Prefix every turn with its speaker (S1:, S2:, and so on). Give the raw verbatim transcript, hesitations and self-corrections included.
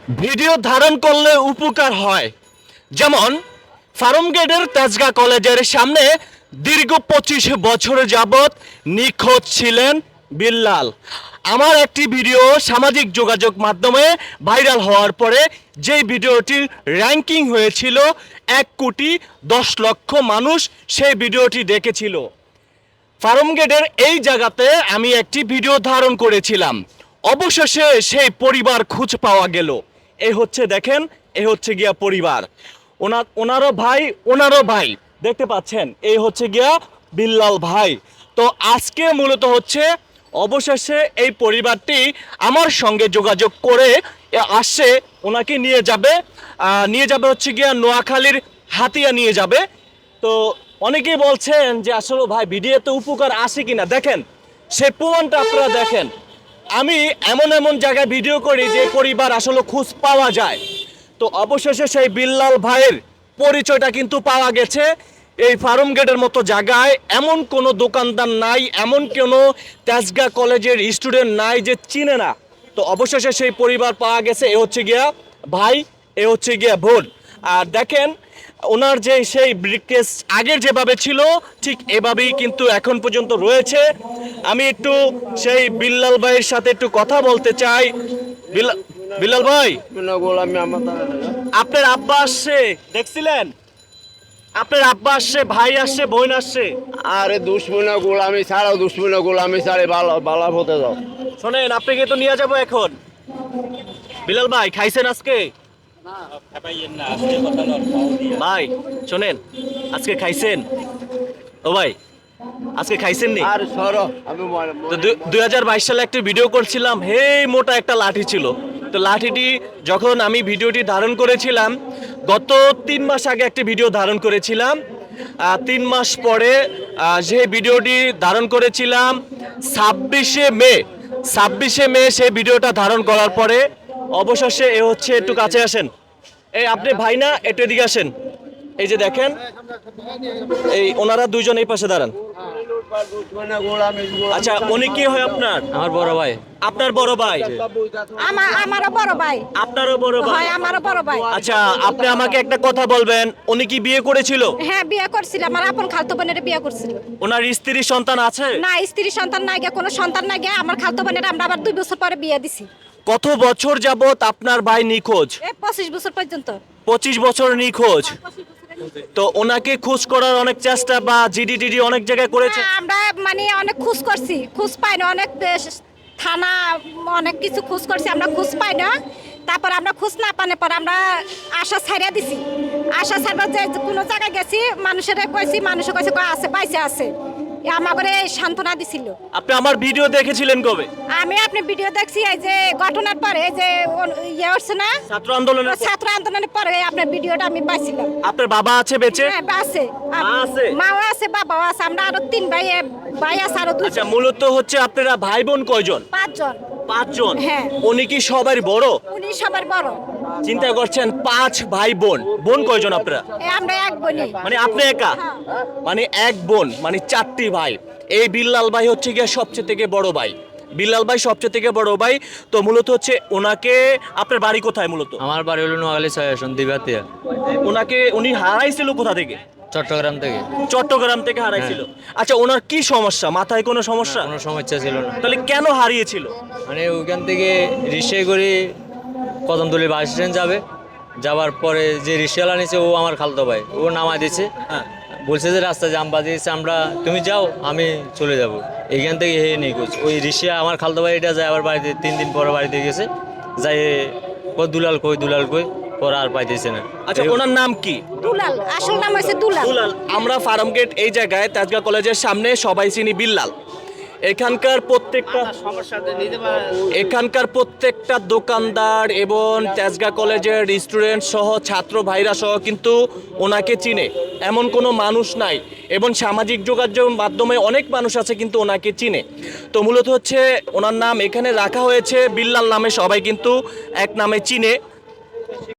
S1: Video ধারণ করলে উপকার হয়। যেমন ফার্মগেটের তেজগাঁ কলেজের সামনে দীর্ঘ পঁচিশ বছর যাবৎ নিখোঁজ ছিলেন বিল্লাল। আমার একটি ভিডিও সামাজিক যোগাযোগ মাধ্যমে ভাইরাল হওয়ার পরে যেই ভিডিওটির র্যাঙ্কিং হয়েছিল এক কোটি দশ লক্ষ মানুষ সেই ভিডিওটি দেখেছিল। ফার্মগেটের এই জায়গাতে আমি একটি ভিডিও ধারণ করেছিলাম। অবশেষে সেই পরিবার খুঁজ পাওয়া গেল। এই হচ্ছে দেখেন, এই হচ্ছে গিয়া পরিবার, ওনার ওনারও ভাই ওনারও ভাই দেখতে পাচ্ছেন, এই হচ্ছে গিয়া বিল্লাল ভাই। তো আজকে মূলত হচ্ছে অবশেষে এই পরিবারটি আমার সঙ্গে যোগাযোগ করে আসছে, ওনাকে নিয়ে যাবে আহ, নিয়ে যাবে হচ্ছে গিয়া নোয়াখালীর হাতিয়া নিয়ে যাবে। তো অনেকেই বলছেন যে আসলে ভাই ভিডিওতে উপকার আসে কিনা, দেখেন সেই প্রমাণটা আপনারা দেখেন। আমি এমন এমন জায়গায় ভিডিও করি যে পরিবার আসলে খোঁজ পাওয়া যায়। তো অবশেষে সেই বিল্লাল ভাইয়ের পরিচয়টা কিন্তু পাওয়া গেছে। এই ফার্মগেটের মতো জায়গায় এমন কোনো দোকানদার নাই, এমন কোনো তেজগাঁ কলেজের স্টুডেন্ট নাই যে চিনে না। তো অবশেষে সেই পরিবার পাওয়া গেছে। এ হচ্ছে গিয়া ভাই, এ হচ্ছে গিয়া বোন। আর দেখেন ওনার যে সেই ব্রিককেস আগের যেভাবে ছিল ঠিক এভাবেই কিন্তু এখন পর্যন্ত রয়েছে। আমি একটু সেই বিল্লাল ভাইয়ের সাথে একটু কথা বলতে চাই। বিল্লাল বিল্লাল ভাই, আপনার আব্বা আসছে দেখছিলেন? আপনার আব্বা আসছে, ভাই আসছে, বোন আসছে।
S2: আরে দুশ্মনা গোলামি ছাড়াও, দুশ্মনা গোলামি ছাড়ে বালা বালা হতে যাও।
S1: শোনেন, আপনাকে তো নিয়ে যাবো এখন। বিল্লাল ভাই খাইছেন আজকে? ভাই শোনেন, আজকে খাইছেন? ও ভাই আজকে খাইছেন নি?
S2: আর সরো আমি
S1: তো দুই হাজার বাইশ সালে একটা ভিডিও করছিলাম, হে মোটা একটা লাঠি ছিল। তো লাঠিটি যখন আমি ভিডিওটি ধারণ করেছিলাম, গত তিন মাস আগে একটা ভিডিও ধারণ করেছিলাম। আহ, তিন মাস পরে আহ, যে ভিডিওটি ধারণ করেছিলাম ছাব্বিশে মে ছাব্বিশে মে সেই ভিডিওটা ধারণ করার পরে অবশেষে এ হচ্ছে, একটু কাছে আসেন, এই আপনি ভাই না, একটু এদিকে আসেন। এই যে দেখেন, এই ওনারা দুইজন এই পাশে দাঁড়ান। আচ্ছা, উনি কি হয় আপনার?
S3: আমার বড় ভাই।
S1: আপনার বড় ভাই?
S4: আমার আমারও বড় ভাই
S1: আপনারও বড় ভাই?
S4: হয়, আমারও বড় ভাই।
S1: আচ্ছা, আপনি আমাকে একটা কথা বলবেন, উনি কি বিয়ে করেছিল?
S4: হ্যাঁ, বিয়ে করছিল, আমার আপন খালতো বোনের বিয়ে করছিল।
S1: ওনার স্ত্রী সন্তান আছে?
S4: না, স্ত্রী সন্তান নাই গে, কোনো সন্তান নাই গে। আমার খালতো বোনের আমরা আবার দুই বছর পরে বিয়ে দিছি।
S1: কত বছর যাবত আপনার ভাই নিখোঁজ?
S4: এই পঁচিশ বছর পর্যন্ত।
S1: পঁচিশ বছর নিখোঁজ। তো ওনাকে খোঁজ করার অনেক চেষ্টা বা জিডি টিডি অনেক জায়গায় করেছে?
S4: হ্যাঁ, আমরা মানে অনেক খোঁজ করছি, খোঁজ পাই না। অনেক দেশ, থানা, অনেক কিছু খোঁজ করছি, আমরা খোঁজ পাই না। তারপর আমরা খোঁজ না পাওয়ার পর আমরা আশা ছাড়িয়ে দিছি। আশা ছাড়বার যে কোনো জায়গায় গেছি, মানুষের কইছি, মানুষে কইছে কয় আছে, বাইসে আছে। আমাকে সান্ত্বনা দিছিল।
S1: আপনি আমার ভিডিও দেখেছিলেন কবে?
S4: আমি আপনি ভিডিও দেখছি এই যে ঘটনার পরে, যে ইয়ে হচ্ছে না,
S1: ছাত্র আন্দোলনের পর?
S4: ছাত্র আন্দোলনের পরে আপনার ভিডিওটা আমি পাইছিলাম।
S1: আপনার বাবা আছে বেঁচে?
S4: হ্যাঁ, আছে,
S1: মা আছে?
S4: মাও আছে, বাবাও আছে। আমরা আরো তিন ভাই, ভাই আছে আরো দুই।
S1: আচ্ছা, মূলত হচ্ছে আপনারা ভাই বোন কয়জন?
S4: পাঁচজন।
S1: পাঁচজন?
S4: হ্যাঁ।
S1: উনি কি সবার বড়?
S4: উনি সবার বড়।
S1: চিন্তা করছেন, পাঁচ ভাই বোন। বোন কয়জন আপনারা?
S4: এ আমরা এক বোনই।
S1: মানে আপনি একা?
S4: হ্যাঁ।
S1: মানে এক বোন, মানে চারটি ভাই। এই বিল্লাল ভাই হচ্ছে গিয়ে সবচেয়ে থেকে বড় ভাই। বিল্লাল ভাই সবচেয়ে থেকে বড় ভাই। তো মূলত হচ্ছে ওনাকে, আপনার বাড়ি কোথায় মূলত?
S3: আমার বাড়ি হলো নোয়াখালী ছয় আসন দিবাতিয়া।
S1: ওনাকে উনি হারাইছিল কোথা থেকে?
S3: চট্টগ্রাম থেকে।
S1: চট্টগ্রাম থেকে হারাইছিল। আচ্ছা, ওনার কি সমস্যা? মাথায় কোনো সমস্যা?
S3: কোনো সমস্যা ছিল না।
S1: তাহলে কেন হারিয়েছিল?
S3: মানে ওইখান থেকে রিক্সায় করে কদমতলী বাস স্ট্যান্ড যাবে, যাওয়ার পরে যে রিক্সাওয়ালা নিছে ও আমার খালতো ভাই, ও নামায় দিছে।
S1: হ্যাঁ।
S3: বলছে যে রাস্তা জাম বাজিয়েছে, আমরা তুমি যাও আমি চলে যাব। এইখান থেকে হে নেই কোচ ওই রিক্সা আমার খালতো ভাই এটা যায় আবার বাড়িতে, তিন দিন পরে বাড়িতে গেছে, যাই কই দুলাল কই দুলাল কই, পরে আর পাইতেছে না।
S1: আচ্ছা, ওনার নাম কি?
S4: দুলাল, আসল নাম হচ্ছে দুলাল।
S1: দুলাল। আমরা ফার্মগেট এই জায়গায় তেজগাঁ কলেজের সামনে সবাই চিনি বিল্লাল। এখানকার প্রত্যেকটা এখানকার প্রত্যেকটা দোকানদার এবং তেজগাঁ কলেজের স্টুডেন্ট সহ ছাত্র ভাইরা সহ কিন্তু ওনাকে চিনে, এমন কোনো মানুষ নাই। এবং সামাজিক যোগাযোগ মাধ্যমে অনেক মানুষ আছে কিন্তু ওনাকে চিনে। তো মূলত হচ্ছে ওনার নাম এখানে রাখা হয়েছে বিল্লাল নামে, সবাই কিন্তু এক নামে চিনে।